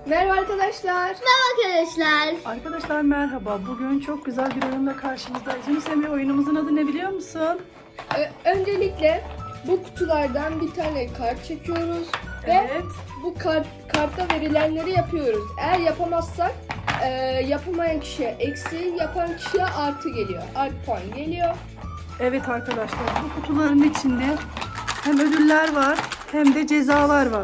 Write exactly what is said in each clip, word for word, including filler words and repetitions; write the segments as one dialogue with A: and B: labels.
A: Merhaba arkadaşlar.
B: Merhaba arkadaşlar.
C: Arkadaşlar merhaba. Bugün çok güzel bir oyunla karşınızdayız. Yunus Emre, oyunumuzun adı ne biliyor musun?
A: Ö- öncelikle bu kutulardan bir tane kart çekiyoruz ve
C: Evet.
A: bu kart kartta verilenleri yapıyoruz. Eğer yapamazsak e, yapamayan kişiye eksi, yapan kişiye artı geliyor. Artı puan geliyor.
C: Evet arkadaşlar, bu kutuların içinde hem ödüller var hem de cezalar var.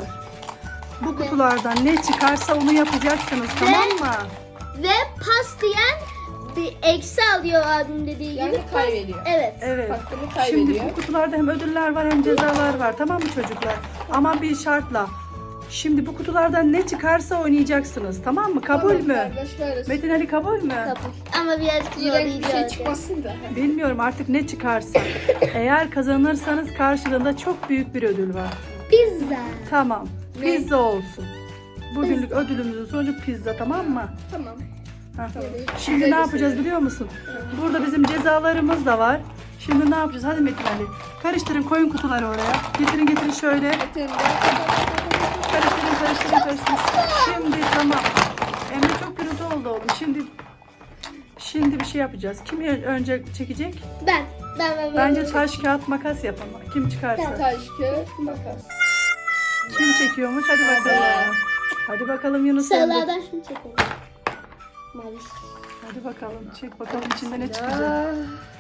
C: Bu kutulardan ne çıkarsa onu yapacaksınız, tamam mı?
B: Ve pas diyen bir eksi alıyor abim dediği
A: Yani
B: gibi.
A: kaybediyor.
B: Evet.
C: Evet.
A: Hakkını
C: Şimdi
A: kaybediyor.
C: bu kutularda hem ödüller var hem cezalar var, tamam mı çocuklar? Ama bir şartla. Şimdi bu kutulardan ne çıkarsa oynayacaksınız, tamam mı? Kabul
A: Tamam,
C: mü?
A: kardeşleriz.
C: Metin Ali kabul mü?
B: Kabul. Ama birazcık zor
A: İğrenç
B: değil.
A: bir şey çıkmasın da.
C: Bilmiyorum artık ne çıkarsa. Eğer kazanırsanız karşılığında çok büyük bir ödül var.
B: Pizza.
C: Tamam.
A: Ne?
C: Pizza olsun. Bugünlük ödülümüzün sonucu pizza, tamam mı?
A: Tamam.
C: Heh.
A: Tamam.
C: Şimdi
A: Güzel
C: ne yapacağız
A: bir
C: biliyor musun? Burada bizim cezalarımız da var. Şimdi ne yapacağız? Hadi Metin Ali. Karıştırın, koyun kutuları oraya. Getirin getirin şöyle.
A: Metin de-
C: Karıştırın karıştırın karıştırın. Şimdi tamam. Emre çok gürültü oldu oğlum. Şimdi şimdi bir şey yapacağız. Kim önce çekecek?
B: Ben. Ben ben ben.
C: Bence taş kağıt makas yapalım. Kim çıkarsa.
A: Taş, kağıt, makas.
C: Kim çekiyormuş? Hadi bakalım. Hadi bakalım Yunus Emre.
B: Sarılardan şunu çekelim. Mavi.
C: Hadi bakalım. Çek bakalım içinde ne çıkacak.
A: Ya.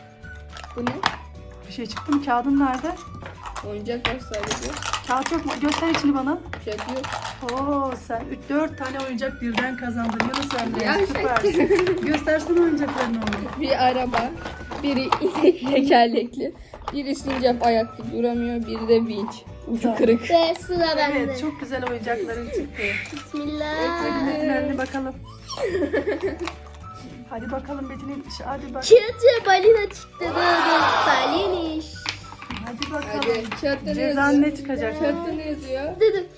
A: Bu ne?
C: Bir şey çıktı mı? Kağıdın nerede?
A: Oyuncak var sadece.
C: Kağıt yok mu? Göster içini bana.
A: Şey yok.
C: Oo, sen üç dört tane oyuncak birden kazandın Yunus Emre.
A: Ya,
C: Süpersin. Göstersene oyuncaklarını oğlum.
A: Bir araba, biri inek tekerlekli, biri sincap ayakta duramıyor, biri de vinç. Ucu
C: Tamam.
A: kırık.
B: Ve sıra bende.
C: Evet, çok güzel oyuncakların çıktı.
B: Bismillah.
C: Hadi Metin Ali bakalım. Hadi bakalım Metin'in işi. Hadi bakalım.
B: Çıtı balina çıktı. Dur dur. Baliniş.
C: Hadi bakalım.
A: Hadi kağıtta ne
C: Cezan
A: yazıyor?
C: ne çıkacak?
A: Kağıtta ne yazıyor?
B: Dur dur.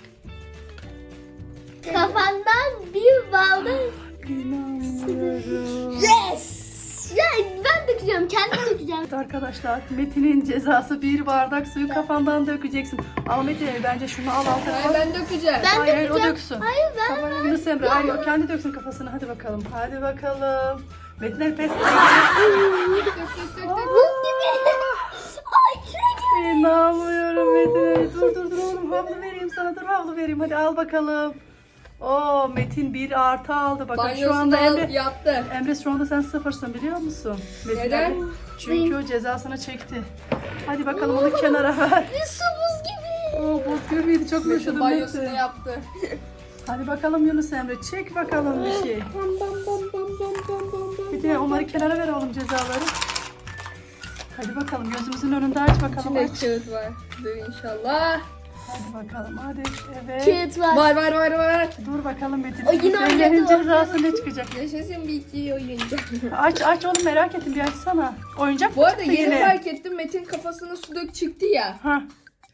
B: Kafandan bir balda.
C: İnanmıyorum.
B: Yes. Ya ben dökeceğim. Kendim dökeceğim.
C: Evet arkadaşlar, Metin'in cezası bir bardak suyu kafandan dökeceksin. Ama Metin Ali bence şunu al altına
A: Hayır
C: koy.
A: ben dökeceğim.
B: Ben
C: Hayır hayır o
B: dökeceğim.
C: döksün.
B: Hayır ben.
C: Kafanı Yunus Emre. Hayır o kendi döksün kafasını. Hadi bakalım. Hadi bakalım. Metin Ali pes.
A: Dök dök dök dök dök.
B: Buz gibi. Ay kürek.
C: İnanmıyorum Metin Ali. Dur dur dur oğlum, havlu vereyim sana. Dur havlu vereyim. Hadi al bakalım. Oo, Metin bir artı aldı. Bakın şu
A: Banyosunu
C: anda
A: al,
C: Emre.
A: yaptı.
C: Emre şu anda sen sıfırsın biliyor musun? Metin
A: Neden?
C: Ali. Çünkü o cezasını çekti. Hadi bakalım onu kenara ver.
B: Bir su buz gibi.
C: Oo, buz gibiydi. Çok
A: Metin
C: yaşadım
A: banyosunu
C: Metin.
A: yaptı.
C: Hadi bakalım Yunus Emre. Çek bakalım bir şey.
A: Bam bam bam bam bam bam bam bam.
C: Bir de onları kenara ver oğlum, cezaları. Hadi bakalım gözümüzün önünde aç bakalım.
A: İçinde
C: Aç.
A: kağıt var. Dur inşallah.
C: Hadi bakalım hadi. Evet.
B: Kağıt var.
A: Var var var var.
C: Dur bakalım Metin.
B: O yine
C: Senin
B: oynadı,
C: cezası ne çıkacak?
A: Yaşasın bir iki oyuncak.
C: Aç aç oğlum, merak ettim, bir açsana. Oyuncak
A: Bu
C: mı
A: arada
C: çıktı
A: yeni
C: yine?
A: fark ettim, Metin kafasına su dök çıktı ya.
C: Ha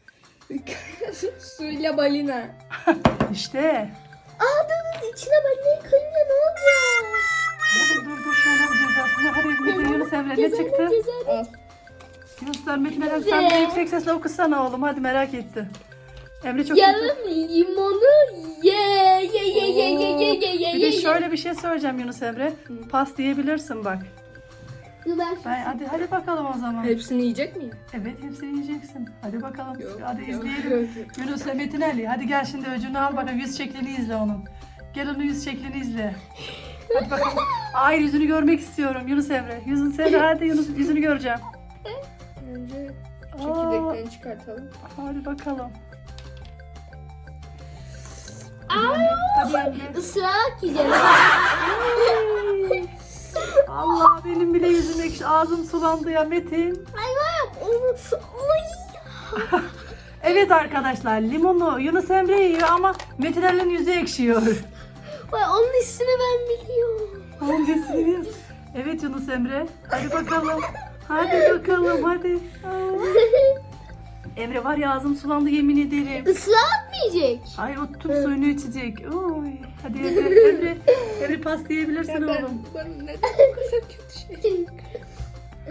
A: Suyla balina.
C: işte.
B: Aa dur dur. İçine balinayı koyunca ne olacak?
C: Dur dur dur şöyle bir cezasını. Hadi Metin Yunus Emre ne çıktı?
B: Cezalı.
A: Al.
C: Yunus Emre Metin Emre sen de yüksek sesle okusana oğlum, hadi merak etti. Emre çok kötü.
B: Yarım limonu ye ye ye ye ye ye ye ye
C: Bir de
B: ye.
C: şöyle bir şey söyleyeceğim Yunus Emre. Pas diyebilirsin bak.
B: Dur ben
C: Ben, hadi hadi bakalım o zaman.
A: Hepsini yiyecek miyim?
C: Evet, hepsini yiyeceksin. Hadi bakalım.
A: Yok,
C: hadi
A: yok,
C: izleyelim.
A: yok.
C: Yunus ve Metin Ali. Hadi gel şimdi öcünü al bakalım. Yüz şeklini izle onun. Gel onun yüz şeklini izle. Hadi bakalım. Hayır, yüzünü görmek istiyorum Yunus Emre. Yüzünü sen hadi Yunus, yüzünü göreceğim.
A: Önce
C: Aa.
A: çekirdeklerini çıkartalım.
C: Hadi bakalım.
B: Aa,
C: Hadi Emre.
B: ısırarak yiyeceğim.
C: Allah, benim bile yüzüm ekşi. Ağzım sulandı ya Metin.
B: Ay var onu. Ay.
C: Evet arkadaşlar, limonu Yunus Emre yiyor ama Metin Ali'nin yüzü ekşiyor.
B: Vay onun ismini ben biliyorum.
C: Hangisini? Evet Yunus Emre. Hadi bakalım. Hadi bakalım hadi. Aa. Emre var ya, ağzım sulandı yemin ederim.
B: Isırarak mı yiyecek?
C: Ay, o tüm suyunu içecek. Oy. Hadi Emre, Emre, Emre pas diyebilirsin
A: Ya ben,
C: oğlum.
A: ben neden bu kadar kötü şey?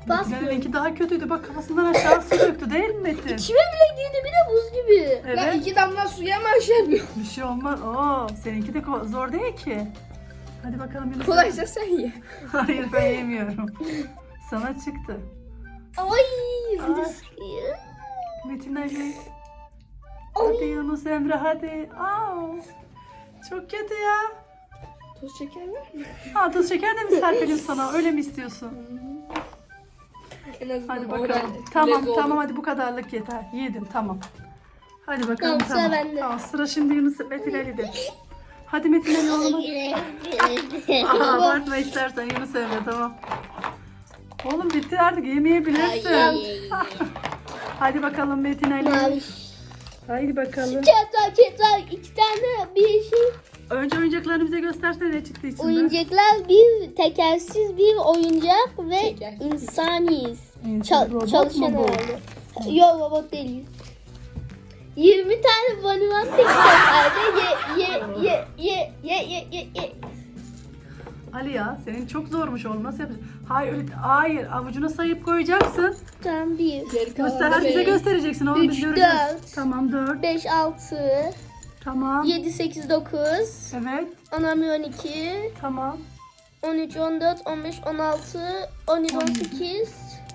B: Pas mı?
C: Metin'inki daha kötüydü. Bak kafasından aşağı su döktü değil mi Metin?
B: İçime bile girdi bir de buz gibi.
A: Ben
C: Evet.
A: iki damla suya mı şey yapıyorum?
C: Bir şey olmaz. Oo, seninki de ko- zor değil ki. Hadi bakalım Yunus.
A: Kolaysa sen ye.
C: Hayır ben yemiyorum. Sana çıktı.
B: Ay bir de
C: Ay.
B: sıkıyor.
C: Metin Ali. Hadi Yunus Emre hadi. Aa, çok kötü ya.
A: Toz şeker var mı?
C: Ha, tuz şeker de mi serpelim sana? Öyle mi istiyorsun?
A: En azından
C: Hadi
A: oral
C: bakalım. Tamam
A: lezzet
C: tamam
A: olur.
C: hadi bu kadarlık yeter. Yedim tamam. Hadi bakalım
B: Tamam, sıra
C: tamam.
B: bende.
C: Tamam, sıra şimdi Yunus Metin Ali'de. Hadi Metin Ali oğlum. Aha, abartma istersen Yunus Emre tamam. Oğlum bitti artık yemeyebilirsin.
B: Ay.
C: Hadi bakalım Metin Ali.
B: Mavi.
C: Haydi bakalım.
B: Çatal çatal iki tane bir şey.
C: Önce oyuncaklarını bize göstersene ne çıktı içinden.
B: Oyuncaklar bir tekersiz bir oyuncak ve
A: Tekersiz.
B: insaniyiz.
C: İnsan,
B: Çal-
C: robot
B: çalışan
C: mu bu?
B: herhalde. Yok robot değil. yirmi tane banivan tek seferde ye ye ye ye ye ye ye ye.
C: Ali ya senin çok zormuş oğlum nasıl yapacaksın? Hayır öyle hayır avucuna sayıp koyacaksın.
B: Tamam bir.
A: Geri kalan
C: Göster
A: da
C: hadi bize
A: benim.
C: göstereceksin oğlum biz
B: Üç,
C: göreceğiz.
B: dört.
C: Tamam dört.
B: beş altı
C: Tamam.
B: yedi sekiz dokuz
C: Evet.
B: on on iki
C: Tamam.
B: on üç on dört on beş on altı on yedi on sekiz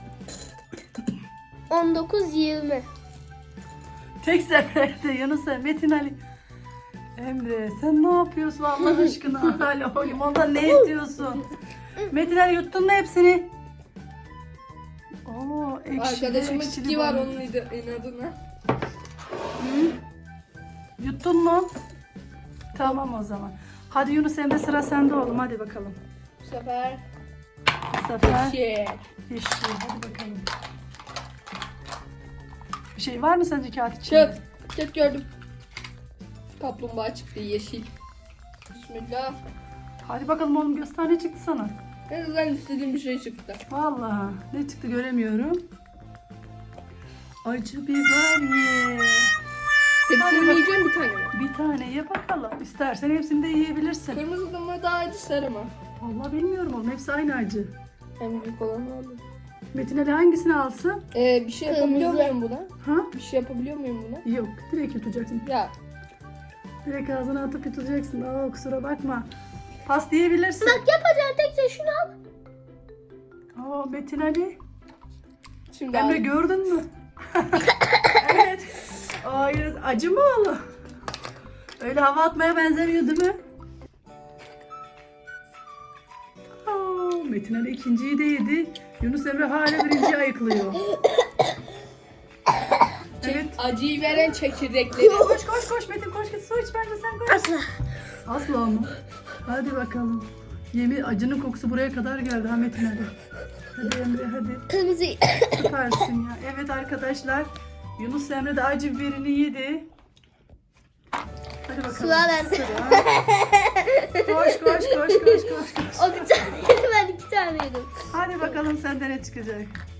B: on dokuz yirmi.
C: Tek seferde Yunus Emre, Metin Ali. Emre sen ne yapıyorsun Allah aşkına? Hala o limondan ne istiyorsun? Metin Ali yuttun mu hepsini? Oo, ekşili,
A: Arkadaşımın
C: ekşili
A: tiki var
C: bana.
A: onun idi- inadına.
C: Yuttun mu? Tamam o zaman. Hadi Yunus Emre sıra sende oğlum hadi bakalım.
A: Bu sefer
C: Bu sefer
A: şey.
C: yeşil hadi bakalım. Bir şey var mı sence kağıt içinde?
A: Çık. Çık gördüm. Kaplumbağa çıktı yeşil. Bismillah.
C: Hadi bakalım oğlum göster ne çıktı sana?
A: En azından istediğim bir şey çıktı.
C: Vallahi ne çıktı göremiyorum. Acı biber ye.
A: Hepsini yiyeceğim bir tane mi?
C: Bir tane ye bakalım. İstersen hepsini de yiyebilirsin.
A: Kırmızı mı daha acı sarı mı?
C: Vallahi bilmiyorum oğlum hepsi aynı acı.
A: En büyük olanı aldım.
C: Metin Ali hangisini alsın?
A: Ee, bir şey yapabiliyor
B: Kırmızı.
A: muyum buna?
C: Ha?
A: Bir şey yapabiliyor muyum buna?
C: Yok direkt yutacaksın.
A: Ya
C: Direkt ağzına atıp yutacaksın. Aa kusura bakma. Pas diyebilirsin.
B: Bak yapacağın tek şey şunu al.
C: Aa Metin Ali.
A: şimdi
C: Emre
A: aldım.
C: gördün mü? Evet. Hayır acı mı oğlum? Öyle hava atmaya benzemiyor değil mi? Aa, Metin Ali ikinciyi de yedi. Yunus Emre hala birinciyi ayıklıyor. Evet.
A: Acıyı veren çekirdekleri.
C: Koş koş koş Metin koş git su iç bence sen koş.
B: Asla.
C: Asla mı? Hadi bakalım. Yemin acının kokusu buraya kadar geldi ha Metin Ali. Hadi Emre hadi.
B: Kırmızı.
C: Süpersin ya. Evet arkadaşlar. Yunus Emre de acı biberini yedi. Hadi bakalım.
B: Sıra bende.
C: Sıra. Koş koş koş koş koş koş.
B: O bir tane yedi ben iki tane yedim.
C: Hadi bakalım sende ne çıkacak.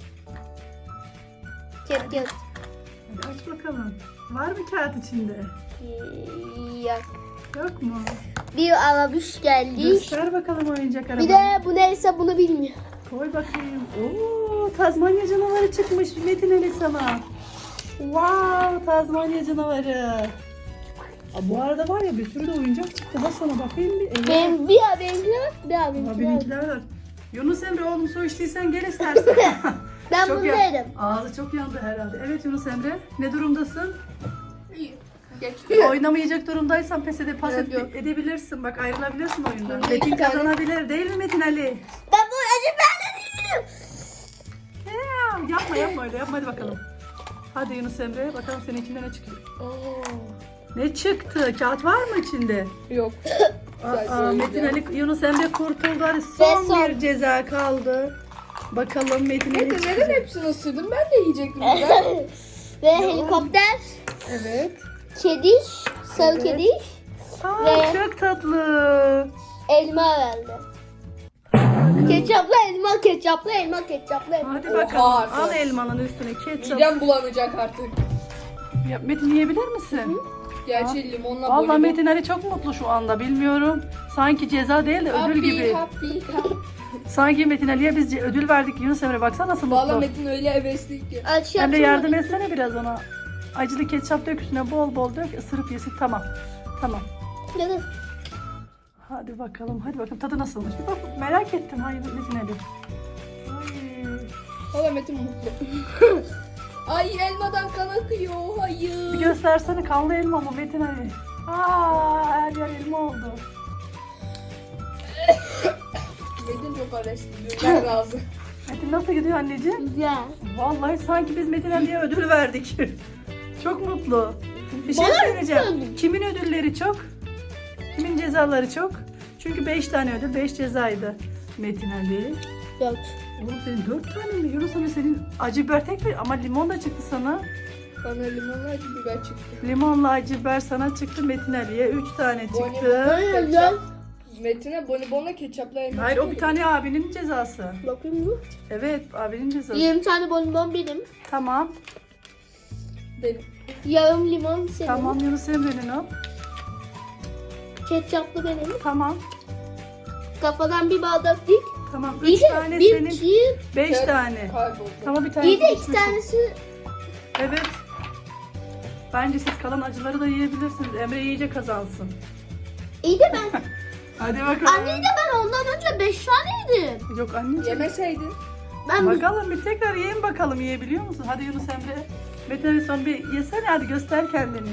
B: Kep kep.
C: Hadi aç bakalım. Var mı kağıt içinde?
B: Yok.
C: Yok mu?
B: Bir arabuş geldi.
C: Göster bakalım oyuncak arabanı.
B: Bir de bu neyse bunu bilmiyor.
C: Koy bakayım. Oo, Tazmanya canavarı çıkmış Metin Ali sana. Wow, Tazmanya canavarı. Aa, bu arada var ya bir sürü de oyuncak çıktı. Ha sana bakayım bir. Evet.
B: Benim bir abi benimkiler var. Bir abi
C: Aa,
B: benimkiler var.
C: benimkiler var. Yunus Emre oğlum su içtiysen gel istersen.
B: Ben
C: Çok
B: bunu
C: ya-
B: yedim.
C: Ağzı çok yandı herhalde. Evet Yunus Emre ne durumdasın?
A: Geçti.
C: Oynamayacak durumdaysan pes edip pas
A: Evet,
C: et-
A: yok.
C: edebilirsin. Bak ayrılabilirsin oyundan.
A: Şimdi
C: Metin
A: iki tane-
C: kazanabilir değil mi Metin Ali?
B: Ben bu acı ben de değilim.
C: Ya, yapma yapma öyle yapma hadi bakalım. Hadi Yunus Emre bakalım senin içinde ne çıkıyor.
A: Oo.
C: Ne çıktı? Kağıt var mı içinde?
A: Yok.
C: Aa, Metin Ali Yunus Emre kurtuldu. Hadi son,
B: Ve son.
C: bir ceza kaldı. Bakalım Metin Ali
A: Neden,
C: çıkacak.
A: neden hepsini ısırdım? Ben de yiyecektim güzel.
B: Ve helikopter,
C: Evet.
B: kediş, sarı
C: Evet.
B: kediş,
C: Aa,
B: Ve-
C: çok tatlı.
B: elma herhalde. Ketçaplı elma, ketçaplı elma, ketçaplı elma.
C: Hadi
A: Oha,
C: bakalım. Al
A: arkadaş.
C: elmanın üstüne ketçap.
A: Midem bulanacak artık.
C: Ya, Metin yiyebilir misin?
A: Gerçi limonla
C: Vallahi
A: bonibon.
C: Metin Ali çok mutlu şu anda, bilmiyorum. Sanki ceza değil de ödül
A: Happy,
C: gibi.
A: happy, happy.
C: Sanki Metin Ali'ye biz ce- ödül verdik. Yunus Emre baksana nasıl
A: Valla
C: mutlu.
A: Metin öyle hevesli ki.
B: Aç
C: Emre
B: yapsana.
C: yardım etsene biraz ona. Acılı ketçap dök üstüne, bol bol dök, ısırıp yesin. Tamam. Tamam.
B: Ya da-
C: Hadi bakalım, hadi bakalım tadı nasılmış. Bir bak, merak ettim. Hayır Metin Ali. Ay.
A: Valla Metin mutlu. Ay elmadan kan akıyor.
C: Bir
A: Hayır.
C: göstersene, kanlı elma mı Metin Ali? Aa, her yer elma oldu.
A: Metin çok hevesli. Ben razı.
C: Metin nasıl gidiyor anneciğim?
B: Güzel.
C: Vallahi sanki biz Metin Ali'ye ödül verdik. Çok mutlu. Bir şey
B: Bana
C: söyleyeceğim.
B: ödül.
C: Kimin ödülleri çok? Kimin cezaları çok? Çünkü beş tane ödül, beş cezaydı. Metin Ali.
B: Dört.
C: Oğlum senin dört tane mi? Yunus Emre senin acı biber tek mi? Ama limon da çıktı sana.
A: Bana limonla acı biber çıktı.
C: Limonla acı biber sana çıktı. Metin Ali'ye üç tane çıktı.
A: Bonibon,
B: Güzel.
A: ketçap. Metin'e bonibonla ketçapla elma.
C: Hayır o bir
A: çıktı.
C: tane abinin cezası.
B: Bakayım mı?
C: Evet abinin cezası.
B: yirmi tane bonbon benim.
C: Tamam.
A: Benim.
B: Yarım limon senin.
C: Tamam Yunus Emre'nin o.
B: Ketçaplı benim.
C: Tamam.
B: Kafadan bir bardak dik.
C: Tamam. Üç
B: İyi de
C: tane
B: bir
C: senin.
B: iki.
C: Beş
A: Evet.
C: tane.
A: Kayboldu.
C: Tamam bir tane.
B: İyi de iki
C: içmişsin.
B: tanesi.
C: Evet. Bence siz kalan acıları da yiyebilirsiniz. Emre iyice kazansın.
B: İyi de ben.
C: Hadi bakalım.
B: Anne de ben ondan önce beş tane yedim.
C: Yok anneciğim.
A: Yemeseydin.
B: Ben
C: Bakalım bir tekrar yiyin bakalım, yiyebiliyor musun? Hadi Yunus Emre. Metin Ali son bir yesene, hadi göster kendini.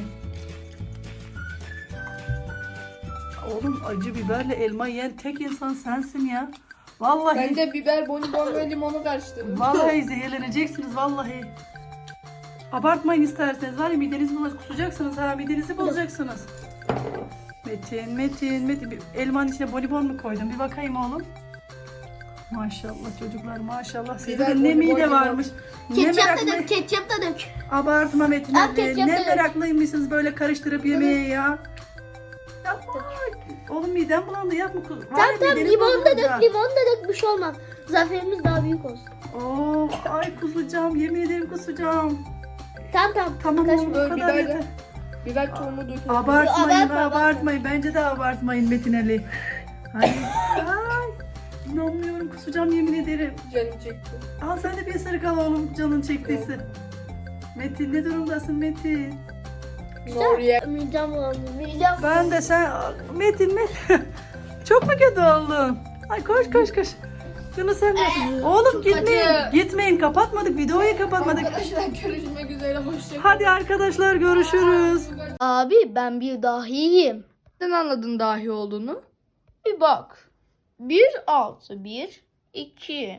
C: Oğlum acı biberle elma yiyen tek insan sensin ya. Vallahi.
A: Ben de biber, bonibon ve limonu karıştırdım.
C: Vallahi zehirleneceksiniz vallahi. Abartmayın isterseniz, var ya midenizi bozacak, kusacaksınız ha, midenizi bozacaksınız. Metin, Metin, Metin. Bir elmanın içine bonibon mu koydun? Bir bakayım oğlum. Maşallah çocuklar, maşallah. Sizde
A: Biber,
C: de ne
A: bonibon,
C: mide
A: limon.
C: varmış. Ne
B: ketçap da
C: meraklı.
B: dök, ketçap da dök.
C: Abartma Metin
B: Al
C: Ali.
B: ketçap
C: Ne
B: da dök.
C: meraklıymışsınız böyle karıştırıp yemeye ya. Yapma. Oğlum midem bulandı, yapma. Var ya,
B: Tamam tamam
C: mideniz
B: limon da
C: bozulacak.
B: dök, limon da dök bir şey olmaz. Zaferimiz daha büyük olsun.
C: Oo, ay kusacağım, yemin ederim kusacağım.
B: Tamam tamam.
C: Tamam
B: Kaç-
C: oğlum bu
A: Böyle
C: kadar
A: biber de-
C: yeter.
A: Biber tohumu döküldü.
C: Abartmayın,
B: Abartma,
C: abartmayın. Bence de abartmayın Metin Ali. Ay, ay. İnanmıyorum, kusacağım yemin ederim.
A: Canım çekti.
C: Al sen de bir ısırık al oğlum, canın çektiyse. Metin ne durumdasın Metin?
A: Nuriye.
B: Midem bulandı, midem.
C: Ben de sen Metin Metin. Çok mu kötü oldun? Ay koş koş koş. Yunus Emre. Oğlum
A: çok
C: gitmeyin.
A: acı.
C: Gitmeyin, kapatmadık. Videoyu kapatmadık.
A: Arkadaşlar görüşmek üzere. Hoşçakalın.
C: Hadi arkadaşlar görüşürüz.
B: Abi ben bir dahiyim.
A: Sen anladın dahi olduğunu.
B: Bir bak. Bir altı bir iki.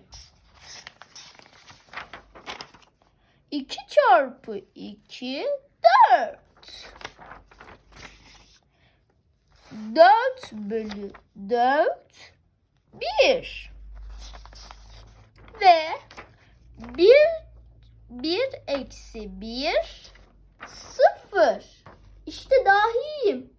B: iki çarpı iki dört. dört bölü dört bir. Ve bir bir eksi bir sıfır. İşte dahiyim.